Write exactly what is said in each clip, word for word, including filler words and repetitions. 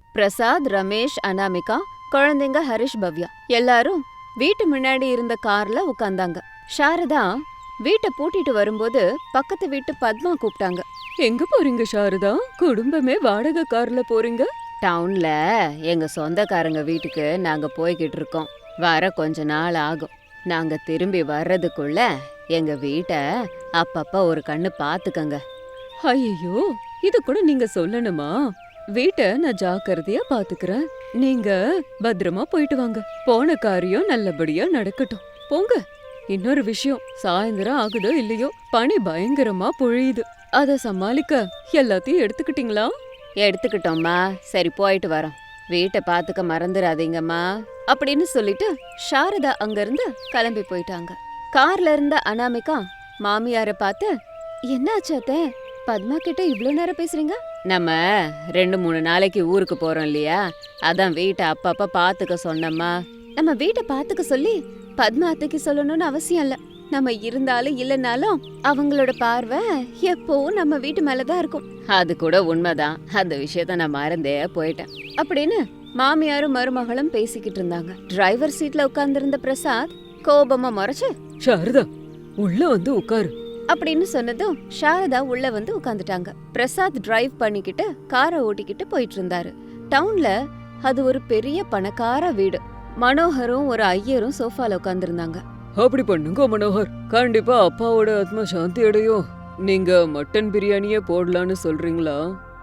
பிரசாத், ரமேஷ், அனாமிகா, குழந்தைங்க ஹரிஷ், பவ்யா எல்லாரும் வீட்டு முன்னாடி இருந்த கார்ல உட்கார்ந்தாங்க. சாரதா வீட்டை பூட்டிட்டு வரும்போது பக்கத்து வீட்டு பத்மா கூப்பிட்டாங்க. எங்க போறீங்க சாரதா? குடும்பமே வாடகை கார்ல போறீங்க? டவுன்ல எங்க சொந்தக்காரங்க வீட்டுக்கு நாங்க போய்கிட்டு இருக்கோம். வர கொஞ்ச நாள் ஆகும். நாங்க திரும்பி வர்றதுக்குள்ள எங்க வீட்டை அப்பப்ப ஒரு கண்ணு பாத்துக்கங்க. ஐயோ, இது கூட நீங்க சொல்லணுமா? வீட்டை நான் ஜாக்கிரதையா பாத்துக்கிறேன். நீங்க பத்திரமா போயிட்டு வாங்க. போன காரியம் நல்லபடியா நடக்கட்டும். போங்க. இன்னொரு விஷயம், சாயந்தரம் ஆகுதோ இல்லையோ பனி பயங்கரமா பொழியுது. அத சமாளிக்க எல்லாத்தையும் எடுத்துக்கிட்டீங்களா? எடுத்துக்கிட்டோம்மா. சரி, போயிட்டு வரோம். வீட்டை பாத்துக்க மறந்துடாதீங்கம்மா அப்படின்னு சொல்லிட்டு சாரதா அங்கிருந்து கிளம்பி போயிட்டாங்க. கார்ல இருந்த அனாமிகா மாமியார பார்த்து, என்னாச்சு அத்தை? பத்மா கிட்ட இவ்ளோ நேரம் பேசுறீங்க? நம்ம ரெண்டு மூணு நாளைக்கு ஊருக்கு போறோம் இல்லையா, அதான் வீட்டை அப்பப்ப பாத்துக்க சொன்னம்மா. நம்ம வீட்டை பாத்துக்க சொல்லி பத்மா அத்தைக்கு சொல்லணும்னு அவசியம் இல்ல. நம்ம இருந்தாலும் இல்லைனாலும் அவங்களோட பார்வை எப்பவும் நம்ம வீட்டு மேலதான் இருக்கும். அது கூட உண்மைதான். அந்த விஷயத்த நான் மறந்தே போயிட்டேன் அப்படின்னு மாமியாரும் மருமகளும் பேசிக்கிட்டு இருந்தாங்க. டிரைவர் சீட்ல உட்கார்ந்திருந்த பிரசாத் கோபமா முறைச்சு, சாரதா உள்ள வந்து உட்காரு அப்படின்னு சொன்னதும் சாரதா உள்ள வந்து உட்கார்ந்துட்டாங்க. பிரசாத் டிரைவ் பண்ணிக்கிட்டு காரை ஓட்டிக்கிட்டு போயிட்டு இருந்தாரு. டவுன்ல அது ஒரு பெரிய பணக்கார வீடு. மனோகரும் ஒரு ஐயரும் சோஃபால உட்கார்ந்திருந்தாங்க. அப்படி பண்ணுங்க மனோகர், கண்டிப்பா அப்பாவோட ஆத்மா சாந்தி அடையும். நீங்க மட்டன் பிரியாணியே போடலான்னு சொல்றீங்களா?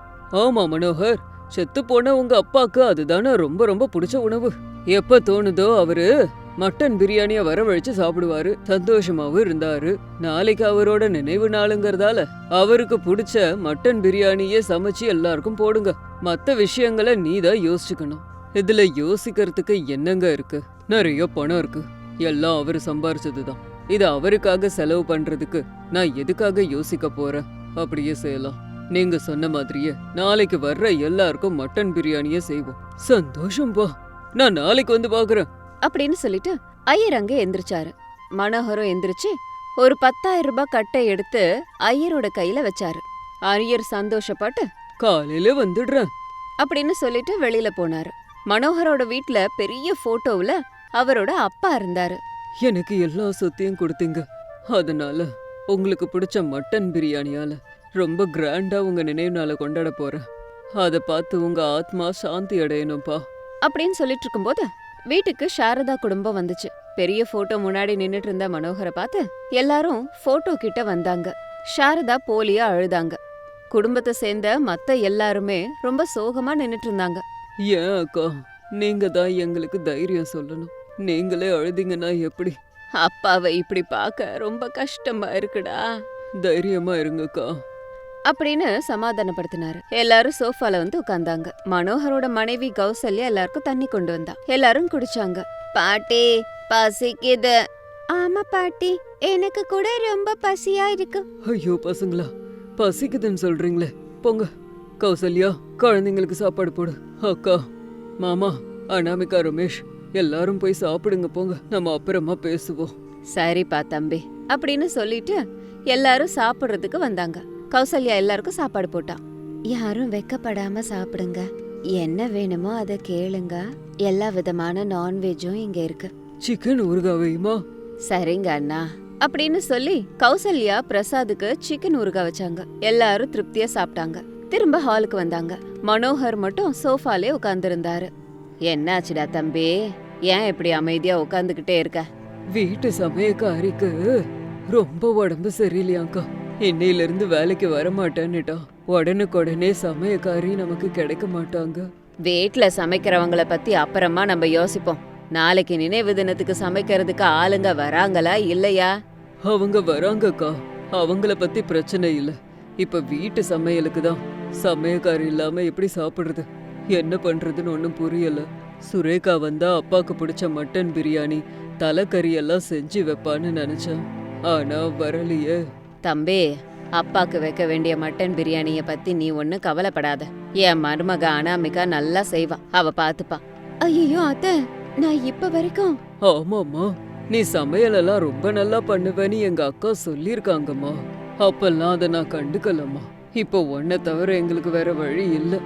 ஆமா மனோகர், செத்து போன உங்க அப்பாக்கு அதுதானே ரொம்ப ரொம்ப பிடிச்ச உணவு. எப்ப தோணுதோ அவரு மட்டன் பிரியாணிய வரவழைச்சு சாப்பிடுவாரு. சந்தோஷமாவும் இருந்தாரு. நாளைக்கு அவரோட நினைவு நாளுங்கிறதால அவருக்கு பிடிச்ச மட்டன் பிரியாணியே சமைச்சு எல்லாருக்கும் போடுங்க. மத்த விஷயங்களை நீதான் யோசிச்சுக்கணும். இதுல யோசிக்கிறதுக்கு என்னங்க இருக்கு? நிறைய பணம் இருக்கு. எல்லாம் அவரு சம்பாரிச்சதுதான். இது அவருக்காக செலவு பண்றதுக்கு நான் எதுக்காக யோசிக்க போறேன்? அப்படியே செய்யலாம். நீங்க சொன்ன மாதிரியே நாளைக்கு வர்ற எல்லாருக்கும் மட்டன் பிரியாணியே செய்வோம். சந்தோஷம்பா, நான் நாளைக்கு வந்து பாக்குறேன் அப்படின்னு சொல்லிட்டு ஐயர் அங்க எந்திரிச்சாரு. மனோகரும் எந்திரிச்சு ஒரு பத்தாயிரம் ரூபாய் கட்டை எடுத்து ஐயரோட கையில வச்சாரு. ஐயர் சந்தோஷப்பட்டு காலையில வந்துடுறேன் அப்படின்னு சொல்லிட்டு வெளியில போனாரு. மனோகரோட வீட்ல பெரிய போட்டோவுல அவரோட அப்பா இருந்தாரு. எனக்கு எல்லா சொத்தையும் கொடுத்தீங்க, அதனால உங்களுக்கு பிடிச்ச மட்டன் பிரியாணியால ரொம்ப கிராண்டா உங்க நினைவு நாளை கொண்டாட போறேன். அத பார்த்து உங்க ஆத்மா சாந்தி அடையணும்பா அப்படின்னு சொல்லிட்டு இருக்கும்போது வீட்டுக்கு சாரதா குடும்பம் வந்துச்சு. பெரிய போட்டோ முன்னாடி நின்னுட்டு இருந்த மனோகரை பார்த்து எல்லாரும் போட்டோ கிட்ட வந்தாங்க. சாரதா போலியா அழுதாங்க. குடும்பத்தை சேர்ந்த மத்த எல்லாருமே ரொம்ப சோகமா நின்னுட்டு இருந்தாங்க. ஏன் அக்கா, நீங்க தான் எங்களுக்கு தைரியம் சொல்லணும். நீங்களே அழுதிங்கன்னா எப்படி? அப்பாவை இப்படி பார்க்க ரொம்ப கஷ்டமா இருக்குடா. தைரியமா இருங்கக்கா அப்படின்னு சமாதானப்படுத்தினாரு. எல்லாரும் சோஃபால வந்து உட்கார்ந்தாங்க. மனோகரோட மனைவி கௌசல்யா எல்லாருக்கும் தண்ணி கொண்டு வந்தா. எல்லாரும் குடிச்சாங்க. பாட்டி பசிக்குது. ஆமா பாட்டி, எனக்கு கூட ரொம்ப பசியா இருக்கு. ஐயோ பசங்களா, பசிக்குதுன்னு சொல்றீங்களே, போங்க. கௌசல்யா, குழந்தைங்களுக்கு சாப்பாடு போடு. அக்கா, மாமா, அனாமிகா, ரமேஷ் எல்லாரும் போய் சாப்பிடுங்க. போங்க, நம்ம அப்புறமா பேசுவோம். சரிப்பா தம்பி அப்படின்னு சொல்லிட்டு எல்லாரும் சாப்பிடுறதுக்கு வந்தாங்க. கௌசல்யா எல்லாருக்கும் சாப்பாடு போட்டா. யாரும் வெக்கப்படாம சாப்பிடுங்க. என்ன வேணுமோ அதை கேளுங்க. எல்லா விதமான நான்வெஜும் இங்க இருக்கு. சிக்கன் ஊறுகாவையுமா? சரிங்க அண்ணா அப்படின்னு சொல்லி கௌசல்யா பிரசாதுக்கு சிக்கன் ஊறுகா வச்சாங்க. எல்லாரும் திருப்தியா சாப்பிட்டாங்க. திரும்ப ஹாலுக்கு வந்தாங்க. மனோகர் மட்டும் சோஃபாலே உட்கார்ந்திருந்தாரு. என்னாச்சுடா தம்பி, ஏன் இப்படி அமைதியா உட்கார்ந்துகிட்டே இருக்க? வீட்டு சமயக்காரிக்கு ரொம்ப உடம்பு சரியில்லையாக்கா. இன்னையில இருந்து வேலைக்கு வர மாட்டேன்னுட்டா. உடனுக்குடனே சமயக்காரி நமக்கு கிடைக்க மாட்டாங்க. வீட்டுல சமைக்கிறவங்கள பத்தி அப்புறமா நம்ம யோசிப்போம். நாளைக்கு நினைவு தினத்துக்கு சமைக்கிறதுக்கு ஆளுங்க வராங்களா இல்லையா? அவங்க வராங்கக்கா, அவங்கள பத்தி பிரச்சனை இல்ல. இப்ப வீட்டு சமையலுக்கு தான் சமயக்காரி இல்லாம எப்படி சாப்பிடுறது? என்ன பண்றதுன்னு ஒன்னும் புரியல. சுரேகா வந்தா அப்பாக்கு பிடிச்ச மட்டன் பிரியாணி, தலைக்கறி எல்லாம் செஞ்சு வைப்பான்னு நினைச்சேன். ஆனா வரலையே. தம்பி, அப்பாக்கு வைக்க வேண்டிய மட்டன் பிரியாணிய பத்தி நீ ஒண்ணு கவலைப்படாத. என் மருமக அனாமிகா நல்லா செய்வா, அவ பாத்துப்பா. ஐயோ அத்தை, நான் இப்ப வரைக்கும். ஆமாமா, நீ சமையல் எல்லாம் ரொம்ப நல்லா பண்ணுவேன்னு எங்க அக்கா சொல்லிருக்காங்கம்மா. அப்பெல்லாம் அதை நான் கண்டுக்கலம்மா. இப்போ ஒன்ன தவிர எங்களுக்கு வேற வழி இல்ல.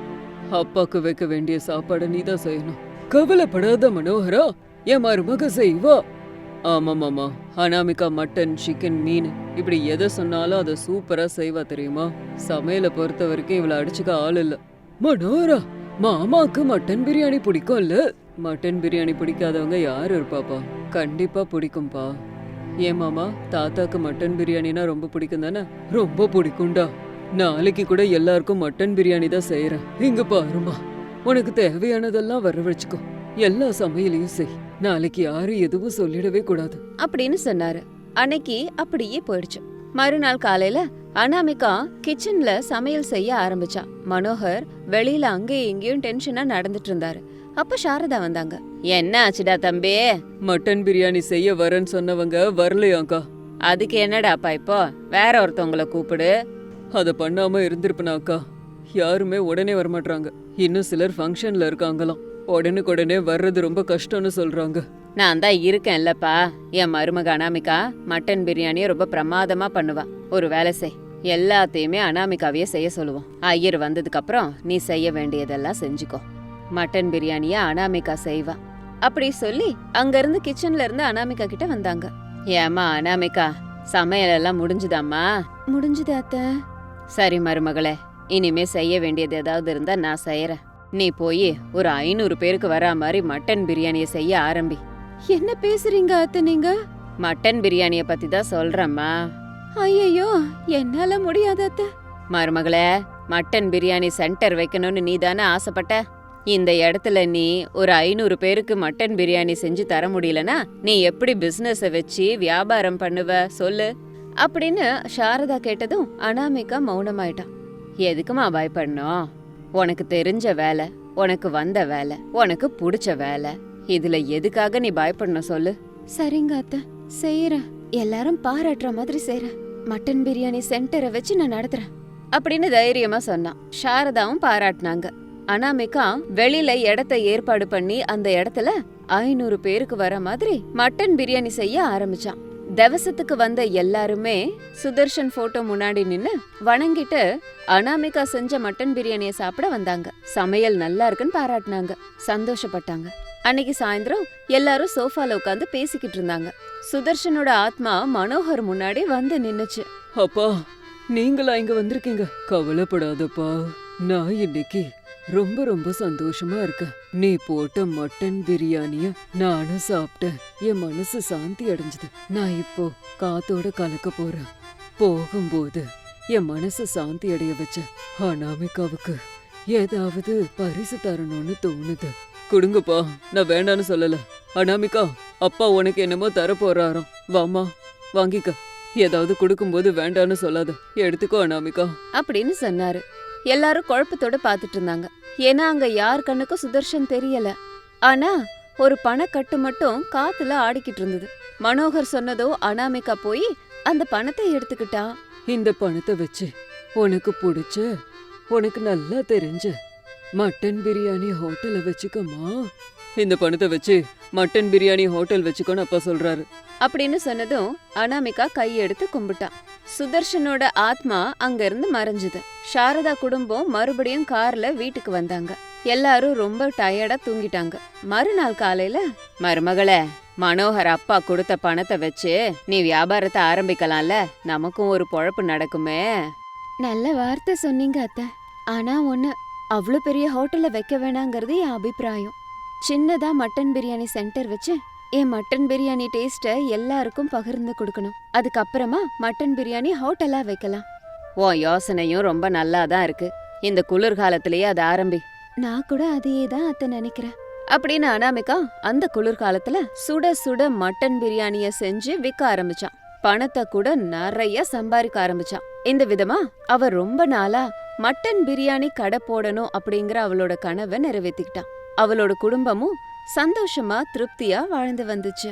அப்பாக்கு வைக்க வேண்டிய சாப்பாடை நீ தான் செய்யணும். கவலைப்படாத மனோகரா, என் மருமக செய்வா. ஆமா மாமா, அனாமிகா மட்டன், சிக்கன், மீன் இப்படி எதை சொன்னாலும் அதை சூப்பரா செய்வா தெரியுமா. சமையலை பொறுத்த வரைக்கும் இவளை அடிச்சுக்க ஆள் இல்ல. மனோகரா, மாமாக்கு மட்டன் பிரியாணி பிடிக்கும்ல? மட்டன் பிரியாணி பிடிக்காதவங்க யாரு இருப்பாப்பா? கண்டிப்பா பிடிக்கும்பா. ஏன் மாமா, தாத்தாக்கு மட்டன் பிரியாணினா ரொம்ப பிடிக்கும் தானே? ரொம்ப பிடிக்கும்டா. நாளைக்கு கூட எல்லாருக்கும் மட்டன் பிரியாணி தான் செய்யறேன். இங்க பாருமா, உனக்கு தேவையானதெல்லாம் வர வச்சுக்கோ. எல்லா சமையலையும் செய். நாளைக்கு யாரும் எதுவும் சொல்லிடவே கூடாது அப்படின்னு சொன்னாரு. அன்னைக்கு அப்படியே போயிடுச்சு. மறுநாள் காலையில அனாமிகா கிச்சன்ல சமையல் செய்ய ஆரம்பிச்சா. மனோகர் வெளியில அங்கேயும் இங்கேயும் டென்ஷனா நடந்துட்டு இருந்தாரு. அப்ப சாரதா வந்தாங்க. என்ன ஆச்சுடா தம்பி? மட்டன் பிரியாணி செய்ய வரேன்னு சொன்னவங்க வரலையாக்கா. அதுக்கு என்னடாப்பா இப்போ? வேற ஒருத்தவங்கள கூப்பிடு. அதை பண்ணாம இருந்திருப்பனாக்கா. யாருமே உடனே வரமாட்டாங்க. இன்னும் சிலர் ஃபங்க்ஷன்ல இருக்காங்களாம். உடனுக்குடனே வர்றது ரொம்ப கஷ்டம்னு சொல்றாங்க. நான் தான் இருக்கேன்லப்பா. என் மருமக அனாமிகா மட்டன் பிரியாணியை ரொம்ப பிரமாதமா பண்ணுவா. ஒரு வேலை செய், எல்லாத்தையுமே அனாமிகாவையே செய்ய சொல்லுவோம். ஐயர் வந்ததுக்கு அப்புறம் நீ செய்ய வேண்டியதெல்லாம் செஞ்சுக்கோ. மட்டன் பிரியாணிய அனாமிகா செய்வா. அப்படி சொல்லி அங்கிருந்து கிச்சன்ல இருந்து அனாமிகா கிட்ட வந்தாங்க. ஏமா அனாமிகா, சமையல் எல்லாம் முடிஞ்சுதாம்மா? முடிஞ்சுது அத்தை. சரி மருமகளே, இனிமே செய்ய வேண்டியது ஏதாவது இருந்தா நான் செய்யறேன். நீ போய் ஒரு ஐநூறு பேருக்கு வரா மாதிரி மட்டன் பிரியாணிய செய்ய ஆரம்பி. என்ன பேசுறீங்க அத்தை நீங்க? மட்டன் பிரியாணிய பத்தி தான் சொல்றேம்மா. ஐயோ, என்னால முடியாது அத்தை. மருமகளே, மட்டன் பிரியாணி சென்டர் வைக்கணும்னு நீ தானே ஆசைப்பட்ட. இந்த இடத்துல நீ ஒரு ஐநூறு பேருக்கு மட்டன் பிரியாணி செஞ்சு தர முடியலனா நீ எப்படி பிசினஸ வச்சு வியாபாரம் பண்ணுவ சொல்லு அப்படின்னு சாரதா கேட்டதும் அனாமிகா மௌனமாயிட்டான். எதுக்குமா பயப்படணும்? உனக்கு தெரிஞ்ச வேலை, உனக்கு வந்த வேலை, உனக்கு பிடிச்ச வேலை, இதுல எதுக்காக நீ பயப்படணும் சொல்லு? சரிங்க அத்தை, செய்யறேன். எல்லாரும் பாராட்டுற மாதிரி செய்யறேன். மட்டன் பிரியாணி சென்டரை வச்சு நான் நடத்துறேன் அப்படின்னு தைரியமா சொன்னான். சாரதாவும் பாராட்டினாங்க. அனாமிகா வெளியில இடத்த ஏற்பாடு பண்ணி அந்த இடத்துல ஐநூறு பேருக்கு வர மாதிரி மட்டன் பிரியாணி செய்ய ஆரம்பிச்சான். தவசத்துக்கு வந்த எல்லாருமே சுதர்ஷன் போட்டோ முன்னாடி நின்னு வணங்கிட்டு அனாமிகா செஞ்ச மட்டன் பிரியாணிய சாப்பிட வந்தாங்க. சமையல் நல்லா இருக்குன்னு பாராட்டினாங்க, சந்தோஷப்பட்டாங்க. அன்னைக்கு சாயந்தரம் எல்லாரும் சோஃபால உட்காந்து பேசிக்கிட்டு இருந்தாங்க. சுதர்ஷனோட ஆத்மா மனோகர் முன்னாடி வந்து நின்னுச்சு. அப்பா, நீங்களா இங்க வந்திருக்கீங்க? கவலைப்படாதப்பா, நான் இன்னைக்கு ரொம்ப ரொம்ப சந்தோஷமா இருக்கேன். நீ போட்ட மட்டன் பிரியாணிய நானும் சாப்பிட்டேன். என் மனசு சாந்தி அடைஞ்சது. நான் இப்போ காத்தோட கலக்க போறேன். போகும்போது என் மனசு சாந்தி அடைய வச்ச அனாமிகாவுக்கு ஏதாவது பரிசு தரணும்னு தோணுது. கொடுங்கப்பா, நான் வேண்டான்னு சொல்லல. அனாமிகா, அப்பா உனக்கு என்னமோ தர போறாராம். வாமா, வாங்கிக்க. ஏதாவது கொடுக்கும்போது வேண்டான்னு சொல்லாத, எடுத்துக்கோ அனாமிகா அப்படின்னு சொன்னாரு. எல்லாரும் குழப்பத்தோட பாத்துட்டு இருந்தாங்க. ஏன்னா அங்க யார் கண்ணுக்கும் சுதர்ஷன் தெரியல. ஆனா ஒரு பணக்கட்டு மட்டும் காத்துல ஆடிக்கிட்டு இருந்தது. மனோகர் சொன்னதோ அனாமிகா போய் அந்த பணத்தை எடுத்துக்கிட்டா. இந்த பணத்தை வச்சு உனக்கு பிடிச்ச, உனக்கு நல்லா தெரிஞ்ச மட்டன் பிரியாணி ஹோட்டலை வச்சுக்கமா. இந்த பணத்தை வச்சு மட்டன் பிரியாணி ஹோட்டல் வச்சுக்கோன்னு அப்பா சொல்றாரு அப்படின்னு சொன்னதும் அனாமிகா கையெடுத்து கும்பிட்டான். சுதர்ஷனோட ஆத்மா அங்க இருந்து மறைஞ்சது. சாரதா குடும்பம் மறுபடியும் கார்ல வீட்டுக்கு வந்தாங்க. எல்லாரும் ரொம்ப டயர்டா தூங்கிட்டாங்க. மறுநாள் காலையில, மருமகளே, மனோகர் அப்பா கொடுத்த பணத்தை வச்சு நீ வியாபாரத்தை ஆரம்பிக்கலாம்ல, நமக்கும் ஒரு பொழப்பு நடக்குமே. நல்ல வார்த்தை சொன்னீங்க அத்தை. ஆனா ஒண்ணு, அவ்வளோ பெரிய ஹோட்டல்ல வைக்க வேணாங்கிறது என் அபிப்பிராயம். சின்னதா மட்டன் பிரியாணி சென்டர் வச்சு என் மட்டன் பிரியாணி டேஸ்ட்டை எல்லாருக்கும் பகிர்ந்து கொடுக்கணும். அதுக்கப்புறமா மட்டன் பிரியாணி ஹோட்டலா வைக்கலாம். ஓ யோசனையும் ரொம்ப நல்லா தான் இருக்கு. இந்த குளிர்காலத்திலேயே அதை ஆரம்பி. நான் கூட அதையே தான் அத்தை நினைக்கிறேன் அப்படின்னு அனாமிகா அந்த குளிர்காலத்துல சுட சுட மட்டன் பிரியாணிய செஞ்சு விற்க ஆரம்பிச்சான். பணத்தை கூட நிறைய சம்பாதிக்க ஆரம்பிச்சான். இந்த விதமா அவ ரொம்ப நாளா மட்டன் பிரியாணி கடை போடணும் அப்படிங்கிற அவளோட கனவை நிறைவேற்றிக்கிட்டான். அவளோட குடும்பமும் சந்தோஷமா திருப்தியா வாழ்ந்து வந்துச்சு.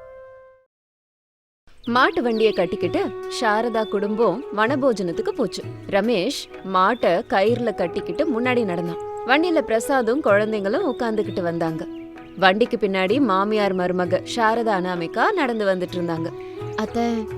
மாட்டு வண்டிய கட்டிக்கிட்டு சாரதா குடும்பம் வனபோஜனத்துக்கு போச்சு. ரமேஷ் மாட்டை கயிறுல கட்டிக்கிட்டு முன்னாடி நடந்தான். வண்டியில பிரசாதும் குழந்தைங்களும் உட்காந்துக்கிட்டு வந்தாங்க. வண்டிக்கு பின்னாடி மாமியார் மருமக சாரதா அனாமிகா நடந்து வந்துட்டு இருந்தாங்க. அத்தை,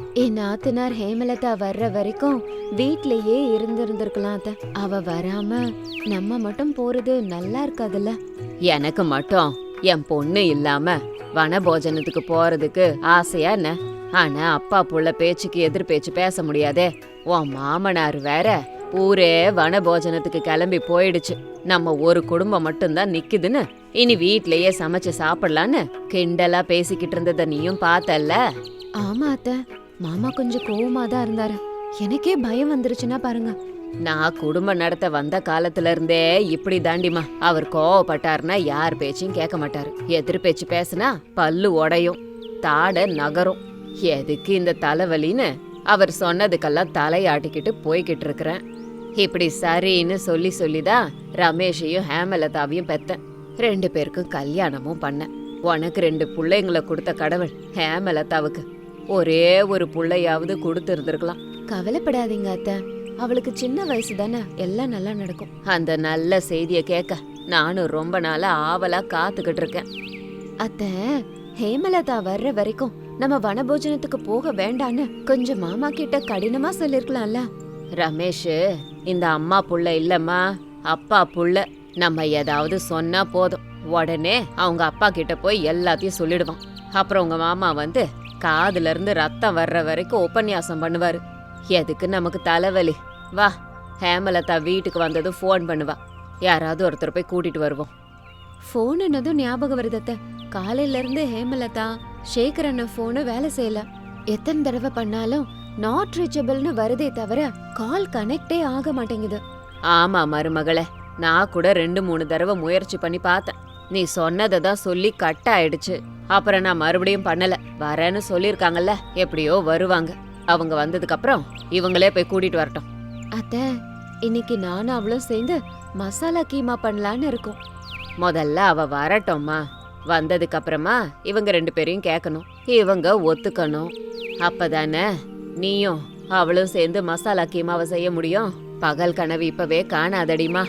என் நாத்தனார் ஹேமலதா வர்ற வரைக்கும் வீட்லயே இருந்திருந்திருக்கலாம் அத்த. அவ வராம நம்ம மட்டும் போறது நல்லா இருக்காதுல்ல. எனக்கு மட்டும் என் பொண்ணு இல்லாம வனபோஜனத்துக்கு போறதுக்கு ஆசையா என்ன? ஆனா அப்பா புள்ள பேச்சுக்கு எதிர் பேச்சு பேச முடியாதே. உன் மாமனார் வேற ஊரே வனபோஜனத்துக்கு கிளம்பி போயிடுச்சு. நம்ம ஒரு குடும்பம் மட்டும்தான் நிக்குதுன்னு இனி வீட்லயே சமைச்சு சாப்பிடலான்னு கிண்டலா பேசிக்கிட்டு இருந்தத நீயும் பார்த்தல்ல? ஆமா அத்த, மாமா கொஞ்சம் கோவமா தான் இருந்தாரு. எனக்கே பயம் வந்துருச்சுன்னா பாருங்க. நான் குடும்பம் நடத்த வந்த காலத்துல இருந்தே இப்படி தாண்டிமா. அவர் கோவப்பட்டாருன்னா யார் பேச்சையும் கேட்க மாட்டாரு. எதிர் பேச்சு பேசுனா பல்லு உடையும், தாட நகரும். எதுக்கு இந்த தலைவலின்னு அவர் சொன்னதுக்கெல்லாம் தலையாட்டிக்கிட்டு போய்கிட்டு இருக்கிறேன். இப்படி சரின்னு சொல்லி சொல்லிதான் ரமேஷையும் ஹேமலதாவையும் பெத்தேன். ரெண்டு பேருக்கும் கல்யாணமும் பண்ணேன். உனக்கு ரெண்டு பிள்ளைங்களை கொடுத்த கடவுள் ஹேமலதாவுக்கு ஒரே ஒரு புள்ளையாவது கொடுத்து இருந்திருக்கலாம். கவலைப்படாதீங்க அத்தை, அவளுக்கு சின்ன வயசு தானே, எல்லாம் நல்லா நடக்கும். அந்த நல்ல செய்திய கேட்க நானும் ரொம்ப நாளா ஆவலா காத்துக்கிட்டு இருக்கேன். அத்தை, ஹேமலதா வர்ற வரைக்கும் நம்ம வனபோஜனத்துக்கு போக வேண்டான்னு கொஞ்சம் மாமா கிட்ட கடினமா சொல்லிருக்கலாம்ல. ரமேஷ் இந்த அம்மா புள்ள இல்லம்மா, அப்பா புள்ள. நம்ம ஏதாவது சொன்னா போதும் உடனே அவங்க அப்பா கிட்ட போய் எல்லாத்தையும் சொல்லிடுவான். அப்புறம் உங்க மாமா வந்து காதுல இருந்து ரத்தம் வர்ற வரைக்கும் உபன்யாசம் பண்ணுவாரு. எதுக்கு நமக்கு தலைவலி? வா, ஹேமலதா வீட்டுக்கு வந்ததும் ஃபோன் பண்ணுவா. யாராவது ஒருத்தர் போய் கூட்டிட்டு வருவோம். ஃபோன் என்னதும் ஞாபகம் வருதத்த. காலையில இருந்து ஹேமலதா சேகர் அண்ணன் ஃபோனு வேலை செய்யல. எத்தனை தடவை பண்ணாலும் நாட் ரீச்சபிள்னு வருதே தவிர கால் கனெக்டே ஆக மாட்டேங்குது. ஆமா மருமகளே, நான் கூட ரெண்டு மூணு தடவை முயற்சி பண்ணி பார்த்தேன். நீ சொன்னதை தான் சொல்லி கட் ஆயிடுச்சு. அப்புறம் நான் மறுபடியும் பண்ணல. வரேன்னு சொல்லிருக்காங்கல்ல, எப்படியோ வருவாங்க. அவங்க வந்ததுக்கு அப்புறம் இவங்களே போய் கூட்டிட்டு வரட்டும். அத்த, இன்னைக்கு நானும் அவளும் சேர்ந்து மசாலா கீமா பண்ணலான்னு இருக்கோம். முதல்ல அவ வரட்டும்மா. வந்ததுக்கு அப்புறமா இவங்க ரெண்டு பேரையும் கேட்கணும், இவங்க ஒத்துக்கணும். அப்பதானே நீயும் அவளும் சேர்ந்து மசாலா கீமாவை செய்ய முடியும். பகல் கனவு இப்பவே காணாதடிமா.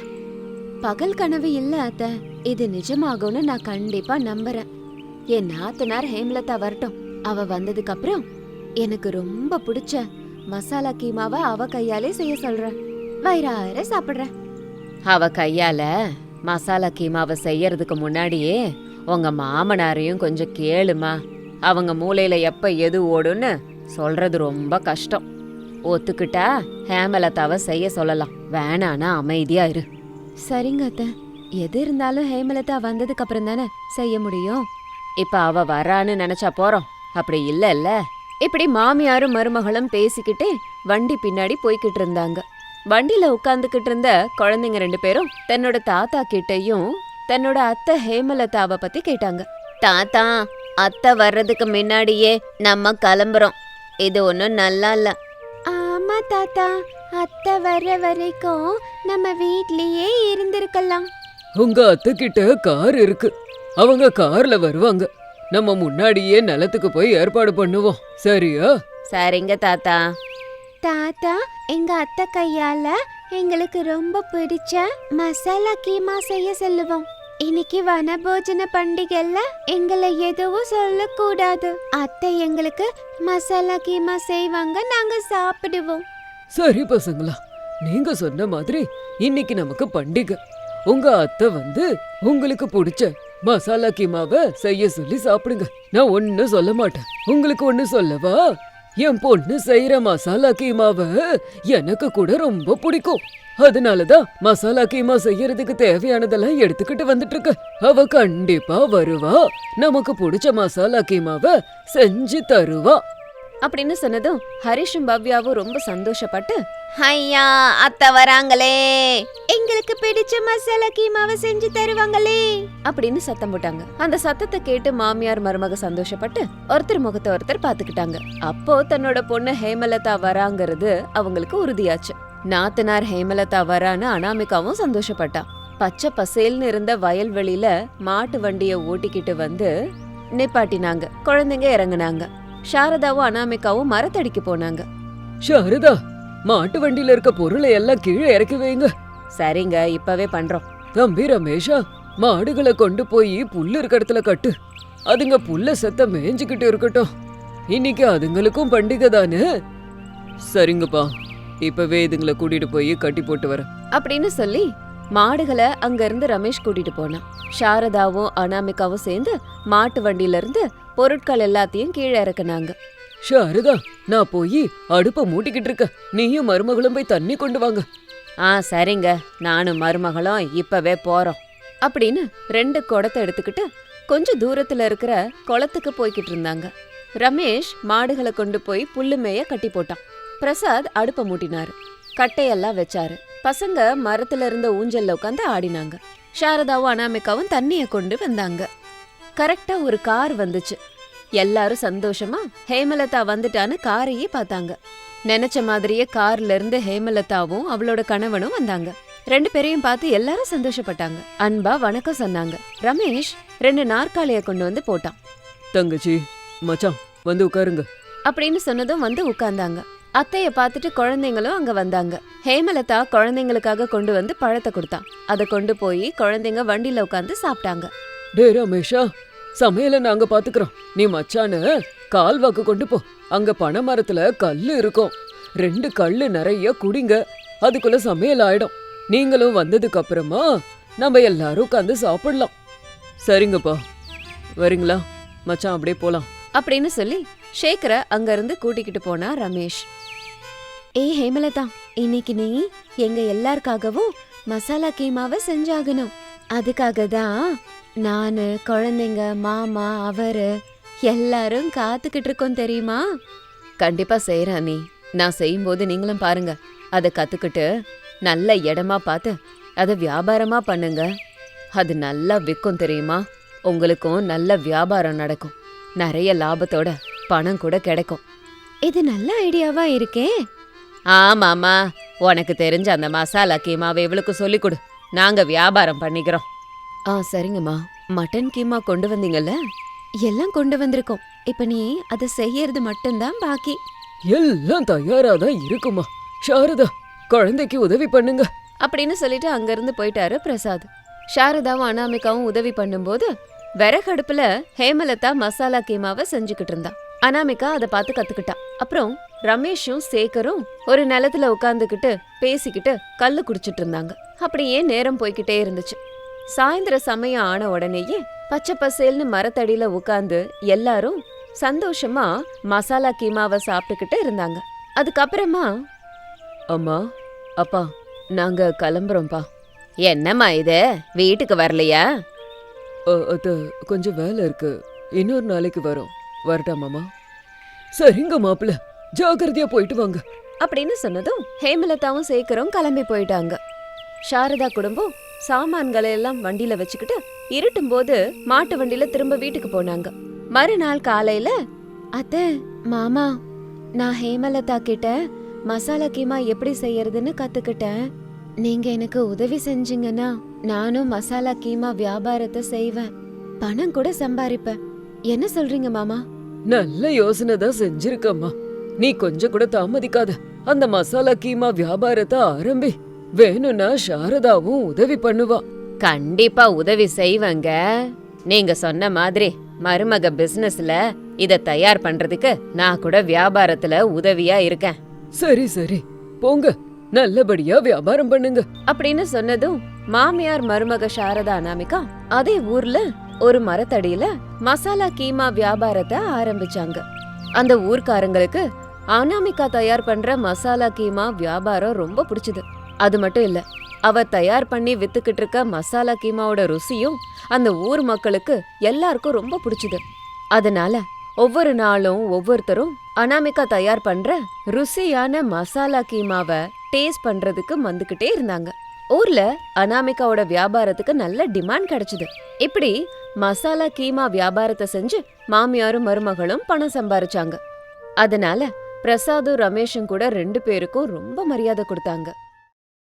பகல் கனவு இல்ல அத்த, இது நிஜமாகும்னு நான் கண்டிப்பா நம்புறேன். என் நாத்தனார் ஹேமலதா வரட்டும். அவ வந்ததுக்கு அப்புறம் எனக்கு ரொம்ப பிடிச்ச மசாலா கீமாவை அவ கையாலே செய்ய சொல்றேன். வயிறார சாப்பிடுறேன். அவ கையால மசாலா கீமாவை செய்யறதுக்கு முன்னாடியே உங்க மாமனாரையும் கொஞ்சம் கேளுமா. அவங்க மூளையில எப்ப எது ஓடுன்னு சொல்றது ரொம்ப கஷ்டம். ஒத்துக்கிட்டா ஹேமலதாவை செய்ய சொல்லலாம், வேணானா அமைதியா இரு. சரிங்க அத்த, எது இருந்தாலும் ஹேமலதா வந்ததுக்கு அப்புறம் தானே செய்ய முடியும். இப்ப அவ வரான்னு நினைச்சா போறோம், அப்படி இல்ல இல்ல. இப்படி மாமியாரும் மருமகளும் பேசிக்கிட்டே வண்டி பின்னாடி போய்கிட்டு இருந்தாங்க. வண்டியில உட்கார்ந்துகிட்டு இருந்த குழந்தைங்க ரெண்டு பேரும் தன்னோட தாத்தா கிட்டையும் தன்னோட அத்தை ஹேமலதாவை பத்தி கேட்டாங்க. தாத்தா, அத்தை வர்றதுக்கு முன்னாடியே நம்ம கிளம்புறோம். இது ஒன்னும் நல்லா இல்ல. ஆமா தாத்தா, அத்தை வர்ற வரைக்கும் நம்ம வீட்லயே இருந்திருக்கலாம். உங்க அத்தை கிட்ட கார் இருக்கு, அவங்க கார்ல வருவாங்க. நம்ம முன்னாடியே நிலத்துக்கு போய் ஏற்பாடு பண்ணுவோம், சரியா? சரிங்க தாத்தா. தாத்தா, எங்க அத்தை கையால எங்களுக்கு ரொம்ப பிடிச்ச மசாலா கீமா செய்ய சொல்லுவோம். இன்னைக்கு வனபோஜன பண்டிகைல எங்களை எதுவும் சொல்லக்கூடாது. அத்தை எங்களுக்கு மசாலா கீமா செய்வாங்க, நாங்க சாப்பிடுவோம். சரி பசங்களா, நீங்க சொன்ன மாதிரி இன்னைக்கு நமக்கு பண்டிகை. உங்க அத்தை வந்து உங்களுக்கு பிடிச்ச மசாலா கீமாவை செய்ய சொல்லி சாப்பிடுங்க. நான் ஒண்ணு சொல்ல மாட்டேன். உங்களுக்கு ஒண்ணு சொல்லவா? என் பொண்ணு செய்யற மசாலா கீமாவை எனக்கு கூட ரொம்ப பிடிக்கும். அதனாலதான் மசாலா கீமா செய்யறதுக்கு தேவையானதெல்லாம் எடுத்துக்கிட்டு வந்துட்டு இருக்க. அவ கண்டிப்பா வருவா, நமக்கு பிடிச்ச மசாலா கீமாவை செஞ்சு தருவா அப்படின்னு சொன்னதும் ஹரிஷும் பவ்யாவும் ரொம்ப சந்தோஷப்பட்டு, ஐயா அத்தை வராங்களே, எங்களுக்கு பிடிச்ச மசாலா கீமாவை செஞ்சு தருவாங்களே அப்படின்னு சத்தம் போட்டாங்க. அந்த சத்தத்தை கேட்டு மாமியார் மருமக சந்தோஷப்பட்டு ஒருத்தர் முகத்தை ஒருத்தர் பாத்துக்கிட்டாங்க. அப்போ தன்னோட பொண்ணு ஹேமலதா வராங்கிறது அவங்களுக்கு உறுதியாச்சு. நாத்தனார் ஹேமலதா வரான்னு அனாமிகாவும் சந்தோஷப்பட்டா. பச்சை பசேல்னு இருந்த வயல்வெளியில மாட்டு வண்டிய ஓட்டிக்கிட்டு வந்து நிப்பாட்டினாங்க. குழந்தைங்க இறங்குனாங்க. சாரதாவும் அனாமிகாவும் மரத்தடிக்கு போனாங்க. சாரதா, மாட்டு வண்டியில இருக்க பொருளை எல்லாம் கீழே இறக்கி வைங்க. சரிங்க, இப்பவே பண்றோம். தம்பி ரமேஷா, மாடுகளை கொண்டு போய் புல்லு இருக்க இடத்துல கட்டு. அதுங்க புல்ல செத்த மேய்ஞ்சுக்கிட்டு இருக்கட்டும். இன்னைக்கு அதுங்களுக்கும் பண்டிகை தானே. சரிங்கப்பா, இப்பவே இதுங்களை கூட்டிட்டு போய் கட்டி போட்டு வரேன் அப்படின்னு சொல்லி மாடுகளை அங்க இருந்து ரமேஷ் கூட்டிட்டு போனான். சாரதாவும் அனாமிகாவும் சேர்ந்து மாட்டு வண்டியில இருந்து பொருட்கள் எல்லாத்தையும் கீழே இறக்குனாங்க. ஷாரதா, நான் போய் அடுப்ப மூட்டிக்கிட்டு இருக்க, நீயும் மருமகளும் போய் தண்ணி கொண்டு வாங்க. ஆ சரிங்க, நானும் மருமகளும் இப்பவே போறோம் அப்படின்னு ரெண்டு குடத்தை எடுத்துக்கிட்டு கொஞ்சம் தூரத்துல இருக்கிற குளத்துக்கு போய்கிட்டு இருந்தாங்க. ரமேஷ் மாடுகளை கொண்டு போய் புல்லு மேய கட்டி போட்டான். பிரசாத் அடுப்ப மூட்டினாரு, கட்டையெல்லாம் வச்சாரு. பசங்க மரத்துல இருந்த ஊஞ்சல்ல உட்காந்து ஆடினாங்க. சாரதாவும் அனாமிகாவும் தண்ணிய கொண்டு வந்தாங்க. கரெக்டா ஒரு கார் வந்துச்சு. எல்லாரும் சந்தோஷமா ஹேமலதா வந்துட்டான்னு காரையே பார்த்தாங்க. நினைச்ச மாதிரியே கார்ல இருந்து ஹேமலதாவும் அவளோட கணவனும் வந்தாங்க. ரெண்டு பேரையும் பார்த்து எல்லாரும் சந்தோஷப்பட்டாங்க. அன்பா வணக்கம் சொன்னாங்க. ரமேஷ் ரெண்டு நாற்காலிய கொண்டு வந்து போட்டான். தங்கச்சி, மச்சான் வந்து உட்காருங்க அப்படின்னு சொன்னதும் வந்து உட்கார்ந்தாங்க. அத்தைய பார்த்துட்டு குழந்தைங்களும் அங்க வந்தாங்க. ஹேமலதா குழந்தைங்களுக்காக கொண்டு வந்து பழத்தை கொடுத்தான். அதை கொண்டு போய் குழந்தைங்க வண்டியில உட்காந்து சாப்பிட்டாங்க. டே ரமேஷா, சமையல நாங்க பாத்துக்கிறோம், நீ மச்சான கால்வாக்கு கொண்டு போ. அங்க பனை மரத்துல கல்லு இருக்கும், ரெண்டு கல்லு நிறைய குடிங்க, அதுக்குள்ள சமையல் ஆயிடும். நீங்களும் வந்ததுக்கு அப்புறமா நம்ம எல்லாரும் உட்காந்து சாப்பிடலாம். சரிங்கப்பா, வரீங்களா மச்சான்? அப்படியே போலாம் அப்படின்னு சொல்லி ஷேக்கரை அங்க இருந்து கூட்டிக்கிட்டு போனா ரமேஷ். ஏய் ஹேமலதா, இன்னைக்கு நீ எங்க எல்லாருக்காகவும் மசாலா கீமாவை செஞ்சாகணும். அதுக்காக தான் நானு, குழந்தைங்க, மாமா, அவரு எல்லாரும் காத்துக்கிட்டு இருக்கோம் தெரியுமா? கண்டிப்பா செய்யறேன் நீ. நான் செய்யும்போது நீங்களும் பாருங்க. அதை கத்துக்கிட்டு நல்ல இடமா பார்த்து அதை வியாபாரமா பண்ணுங்க. அது நல்லா விற்கும் தெரியுமா? உங்களுக்கும் நல்ல வியாபாரம் நடக்கும், நிறைய லாபத்தோட பணம் கூட கிடைக்கும். இது நல்ல ஐடியாவா இருக்கே. ஆமாமா, உனக்கு தெரிஞ்ச அந்த மசாலா கீமாவை இவளுக்கு சொல்லிக் கொடு, நாங்க வியாபாரம் பண்ணிக்கிறோம். ஆ சரிங்கம்மா. மட்டன் கீமா கொண்டு வந்தீங்கல்ல? எல்லாம் கொண்டு வந்திருக்கோம். இப்ப நீ அதை செய்யறது மட்டும்தான் பாக்கி. எல்லாம் தயாராதான் இருக்குமா. சாரதா, குழந்தைக்கு உதவி பண்ணுங்க அப்படின்னு சொல்லிட்டு அங்கிருந்து போயிட்டாரு பிரசாத். சாரதாவும் அனாமிகாவும் உதவி பண்ணும்போது விறகடுப்புல ஹேமலதா மசாலா கீமாவை செஞ்சுக்கிட்டு இருந்தா. அனாமிகா அதை பார்த்து கத்துக்கிட்டா. அப்புறம் ரமேஷும் சேகரும் ஒரு நிலத்துல உட்காந்துக்கிட்டு பேசிக்கிட்டு கல்லு குடிச்சிட்டு இருந்தாங்க. அப்படியே நேரம் போய்கிட்டே இருந்துச்சு. சாயந்தர சமயம் ஆன உடனேயே பச்சை பசேல்னு மரத்தடியில உட்காந்து எல்லாரும் சந்தோஷமா மசாலா கீமாவை சாப்பிட்டுக்கிட்டு இருந்தாங்க. அதுக்கப்புறமா, அம்மா, அப்பா, நாங்க கிளம்புறோம்ப்பா. என்னம்மா இது, வீட்டுக்கு வரலையா? அத கொஞ்சம் வேலை இருக்கு, இன்னொரு நாளைக்கு வரோம். வரட்டாமாமா? சரிங்க மாப்பிள்ள, ஜாக்கிரதையா போயிட்டு வாங்க அப்படின்னு சொன்னதும் ஹேமலதாவும் சேகரும் கிளம்பி போயிட்டாங்க. சாரதா குடும்பம் சாமான்களை எல்லாம் வண்டியில வச்சுக்கிட்டு இருட்டும் போது மாட்டு வண்டியில திரும்ப வீட்டுக்கு போனாங்க. மறுநாள் காலையில, அத்தை, மாமா, நான் ஹேமலதா கிட்ட மசாலா கீமா எப்படி செய்யறதுன்னு கத்துக்கிட்டேன். நீங்க எனக்கு உதவி செஞ்சீங்கன்னா நானும் மசாலா கீமா வியாபாரத்தை செய்வேன், பணம் கூட சம்பாதிப்பேன். என்ன சொல்றீங்க மாமா? நல்ல யோசனை தான் செஞ்சிருக்கம்மா. நீ கொஞ்சம் கூட தாமதிக்காத, அந்த மசாலா கீமா வியாபாரத்தை ஆரம்பி. வேணும்னா சாரதாவும் உதவி பண்ணுவா. கண்டிப்பா உதவி செய்வங்க. நீங்க சொன்ன மாதிரி மருமக பிசினஸ்ல இத தயார் பண்றதுக்கு நான் கூட வியாபாரத்துல உதவியா இருக்கேன். சரி சரி, போங்க, நல்லபடியா வியாபாரம் பண்ணுங்க அப்படின்னு சொன்னதும் மாமியார் மருமக சாரதா அனாமிகா அதே ஊர்ல ஒரு மரத்தடியில மசாலா கீமா வியாபாரத்தை ஆரம்பிச்சாங்க. அந்த ஊர்க்காரங்களுக்கு அனாமிகா தயார் பண்ற மசாலா கீமா வியாபாரம் ரொம்ப பிடிச்சது. அது மட்டும் இல்ல, அவ தயார் பண்ணி வித்துக்கிட்டு இருக்க மசாலா கீமாவோட ருசியும் அந்த ஊர் மக்களுக்கு எல்லாருக்கும் ரொம்ப பிடிச்சது. அதனால ஒவ்வொரு நாளும் ஒவ்வொருத்தரும் அனாமிகா தயார் பண்ற ருசியான மசாலா கீமாவை டேஸ்ட் பண்றதுக்கு வந்துகிட்டே இருந்தாங்க. ஊர்ல அனாமிகாவோட வியாபாரத்துக்கு நல்ல டிமாண்ட் கிடைச்சது. இப்படி மசாலா கீமா வியாபாரத்தை செஞ்சு மாமியாரும் மருமகளும் பணம் சம்பாரிச்சாங்க. அதனால பிரசாதும் ரமேஷும் கூட ரெண்டு பேருக்கும் ரொம்ப மரியாதை கொடுத்தாங்க.